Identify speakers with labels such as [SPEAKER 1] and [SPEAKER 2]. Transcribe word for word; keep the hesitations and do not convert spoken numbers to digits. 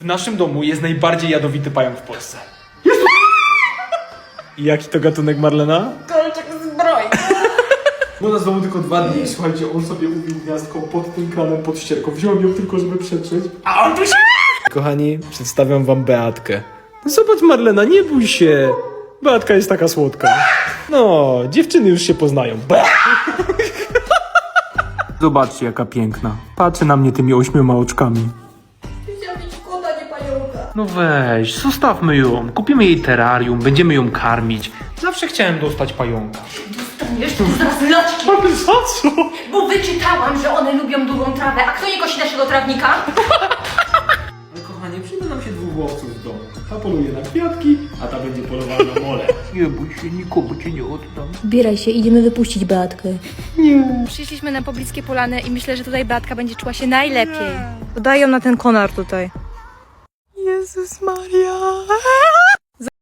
[SPEAKER 1] W naszym domu jest najbardziej jadowity pająk w Polsce. Jest! I jaki to gatunek, Marlena?
[SPEAKER 2] Kolczyk zbroi.
[SPEAKER 1] Bo nas domu tylko dwa dni. Słuchajcie, on sobie ubił gniazdko pod tym kranem, pod ścierką. Wziąłem ją tylko, żeby przetrzeć. A on tu się... Kochani, przedstawiam wam Beatkę. No zobacz, Marlena, nie bój się. Beatka jest taka słodka. No, dziewczyny już się poznają. Be Zobaczcie, jaka piękna. Patrzy na mnie tymi ośmioma oczkami.
[SPEAKER 2] Chciałam mieć kota, nie pająka.
[SPEAKER 1] No weź, zostawmy ją. Kupimy jej terrarium, będziemy ją karmić. Zawsze chciałem dostać pająka.
[SPEAKER 2] Dostaniesz tu zaraz loczki.
[SPEAKER 1] Ale za co?
[SPEAKER 2] Bo wyczytałam, że one lubią długą trawę. A kto nie kosi naszego trawnika?
[SPEAKER 1] Ale kochanie, przyjdzie nam się dwóch łowców w domu. Ta poluje na kwiatki, a ta będzie polowała na mole. Nie bój się, nikomu cię nie oddam.
[SPEAKER 3] Zbieraj się, idziemy wypuścić Beatkę.
[SPEAKER 4] Przyszliśmy na pobliskie polany i myślę, że tutaj Beatka będzie czuła się najlepiej. Dodają na ten konar tutaj.
[SPEAKER 1] Jezus Maria.